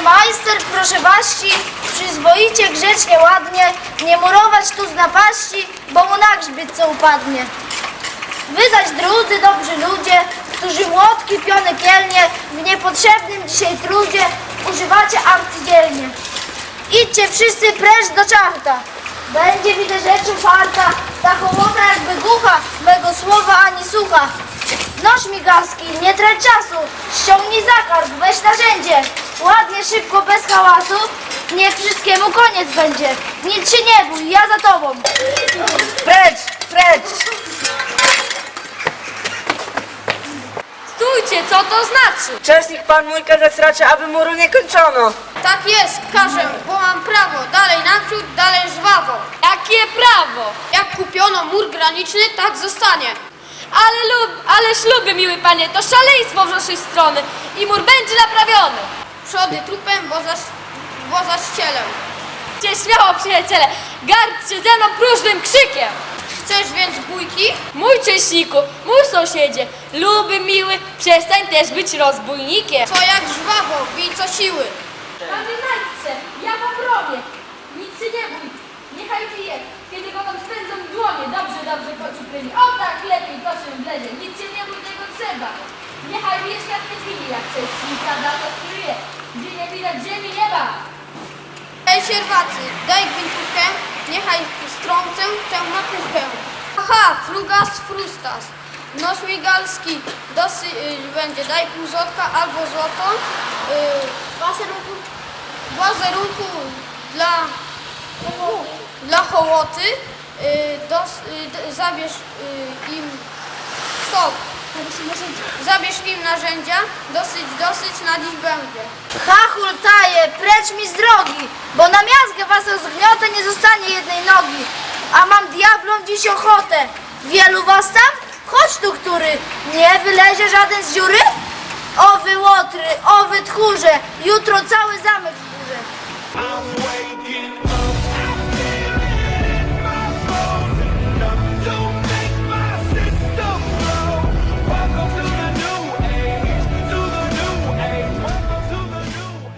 majster, proszę baści, przyzwoicie, grzecznie, ładnie, nie murować tu z napaści, bo mu na grzbiet co upadnie. Wy zaś drudzy, dobrzy ludzie, którzy młotki, piony kielnie, w niepotrzebnym dzisiaj trudzie używacie arcydzielnie. Idźcie wszyscy precz do czarta, będzie widzę rzeczy farta, ta hołota jakby głucha, mego słowa ani słucha. Noż migaski, nie trać czasu, ściągnij zakarb, weź narzędzie, ładnie, szybko, bez hałasu, niech wszystkiemu koniec będzie. Nic się nie bój, ja za tobą. Precz, precz! Stójcie, co to znaczy? Czesnik pan mój kazać raczy, aby muru nie kończono. Tak jest, każę, bo mam prawo. Dalej naprzód, dalej żwawo. Jakie prawo? Jak kupiono mur graniczny, tak zostanie. Ale śluby, miły panie, to szaleństwo z waszej strony i mur będzie naprawiony. Przody trupem, bo za ścielę. Cię śmiało, przyjaciele, gardźcie ze mną próżnym krzykiem. Chcesz więc bójki? Mój cześniku, mój sąsiedzie, luby miły, przestań też być rozbójnikiem. To jak żwawo, bij co siły. Pamiętajcie, ja pobronię, nic się nie bój, niechaj pije, kiedy go tam spędzą w dłonie, dobrze, kociu pryli. O tak, lepiej, to się wlezie, nic się nie bój, tego trzeba. Niechaj mnie świat nie zmieni, jak cześnika da to skryje, gdzie nie widać ziemi nieba. Ej sierwacy, daj gwintówkę, niechaj strącę tę makówkę. Aha, frugas frustas. Nos migalski, będzie, daj pół złotka albo złoto. Łazerunku dla hołoty. Zabierz im stop. Zabierz im narzędzia, dosyć na dziś będzie. Hachul taje, precz mi z drogi, bo na miazgę was rozgniotę nie zostanie jednej nogi. A mam diablom dziś ochotę. Wielu was tam? Chodź tu, który nie wylezie żaden z dziury? O wy łotry, o wy tchórze, jutro cały zamek zburzę. I'm waking